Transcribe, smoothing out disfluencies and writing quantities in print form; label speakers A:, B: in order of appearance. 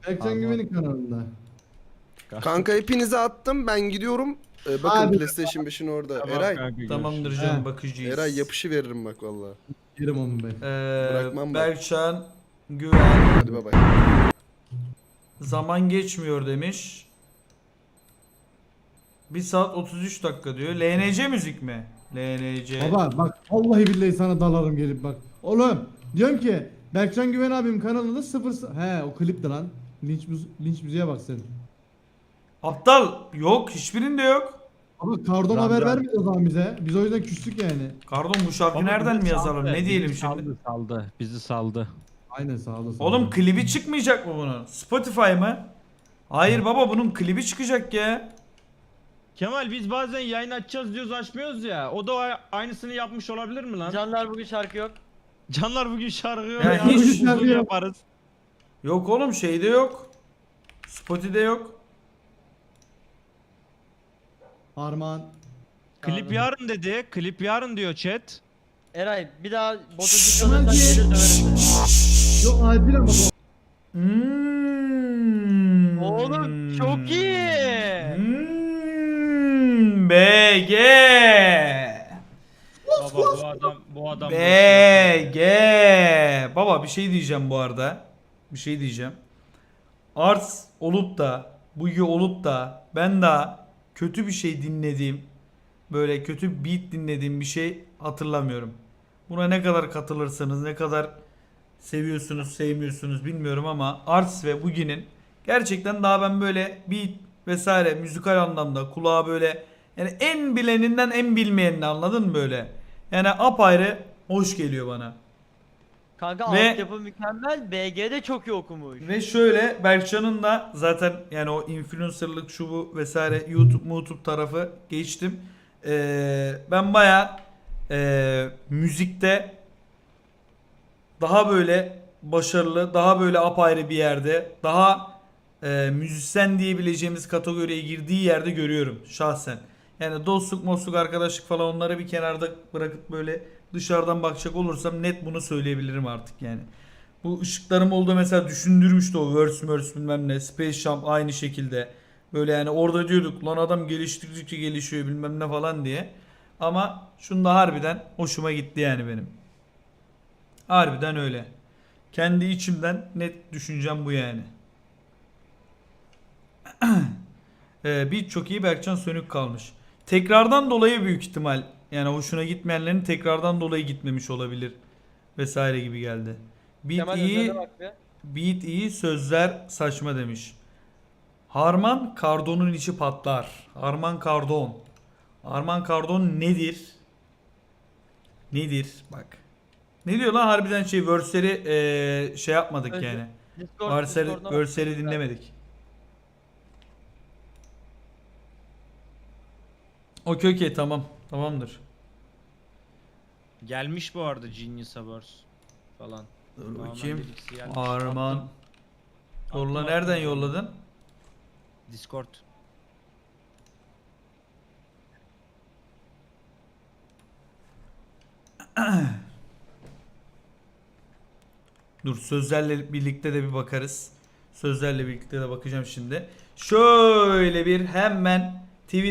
A: Berkcan Güven'in kanalında.
B: Kanka hepinize attım. Ben gidiyorum. Bakın
A: Abi.
B: PlayStation 5'in orada.
C: Tamam
B: Eray.
C: kanka,
D: Tamamdır
C: görüşürüz.
D: canım,
A: He.
D: bakıcıyız.
B: Eray yapışı veririm bak valla.
A: Yerim onu ben.
B: Bırakmam bak.
D: Berkcan Güven
B: Hadi bay bay.
D: zaman geçmiyor demiş. 1 saat 33 dakika diyor. LNC müzik mi? LNC.
A: Baba bak vallahi billahi sana dalarım gelip bak. Oğlum diyorum ki Berkcan Güven abim kanalında He o klipti lan. Linç müziğe bak sen.
D: Aptal yok, hiçbirinde yok.
A: Ama Kardon haber vermedi o zaman bize. Biz o yüzden küstük yani.
D: Pardon, bu şarkı
C: Ama
D: nereden
C: bizi
D: mi yazalım?
C: saldı,
D: Ne diyelim
C: bizi
D: şimdi?
C: Saldı. Bizi saldı.
A: Aynen sağ olasın.
D: Oğlum klibi çıkmayacak mı bunun? Spotify mı? Hayır baba, bunun klibi çıkacak ya.
C: Kemal biz bazen yayın açacağız diyoruz açmıyoruz ya. O da aynısını yapmış olabilir mi lan?
E: Canlar bugün şarkı yok.
C: Canlar bugün şarkı yok
D: Ya
C: ya.
D: hiç
C: Uzun
A: şarkı yok.
C: yaparız.
D: Yok oğlum, şeyde yok. Spotify'de yok.
A: Armağan.
C: Klip yarın dedi. Klip yarın diyor chat.
E: Eray bir daha botocuk alırsan gelir döverim seni.
A: Yok adil ama bu.
E: Oğlum çok iyi.
D: BG.
C: Baba bu adam
D: BG. Baba bir şey diyeceğim bu arada. Bir şey diyeceğim. Arts olup da, Bugi olup da ben daha kötü bir şey dinlediğim, böyle kötü beat dinlediğim bir şey hatırlamıyorum. Buna ne kadar katılırsanız, ne kadar seviyorsunuz, sevmiyorsunuz bilmiyorum ama Arts ve Bugi'nin gerçekten daha ben böyle beat vesaire müzikal anlamda kulağa böyle, yani en bileninden en bilmeyenini, anladın mı böyle? Yani apayrı hoş geliyor bana.
E: Kanka
D: Ve-
E: altyapı mükemmel. BG de çok iyi okumuş.
D: Ve şöyle, Berkcan'ın da zaten yani o influencerlık şu bu vesaire YouTube tarafı geçtim. Ben baya müzikte daha böyle başarılı, daha böyle apayrı bir yerde, daha müzisyen diyebileceğimiz kategoriye girdiği yerde görüyorum şahsen. Yani dostluk, mostluk, arkadaşlık falan onları bir kenarda bırakıp böyle dışarıdan bakacak olursam net bunu söyleyebilirim artık yani. Bu ışıklarım oldu mesela, düşündürmüştü o verse bilmem ne. Space Jump aynı şekilde. Böyle yani orada diyorduk lan adam geliştirdikçe gelişiyor bilmem ne falan diye. Ama şunda harbiden hoşuma gitti yani benim. Harbiden öyle. Kendi içimden net düşüncem bu yani. Beat çok iyi, Berkcan sönük kalmış. Tekrardan dolayı büyük ihtimal. Yani hoşuna gitmeyenlerin tekrardan dolayı gitmemiş olabilir. Vesaire gibi geldi. Beat
E: Kemal
D: iyi,
E: Özer'e bak be.
D: beat iyi, sözler saçma demiş. Harman Kardon'un içi patlar. Harman Kardon. Harman Kardon nedir? Nedir? Bak. Ne diyor lan harbiden, şey verse'leri şey yapmadık
E: Özür-
D: yani.
E: Discord'dan bak.
D: Verse'leri dinlemedik. Okey tamam. Tamamdır.
C: Gelmiş bu arada Genius Awards falan.
D: Dur
C: Normal
D: bakayım.
C: birisi gelmiş.
D: Harman.
C: Attım.
D: Yolla,
C: Attım,
D: nereden
C: attım.
D: yolladın?
C: Discord.
D: Dur, sözlerle birlikte de bir bakarız. Sözlerle birlikte de bakacağım şimdi. Şöyle bir hemen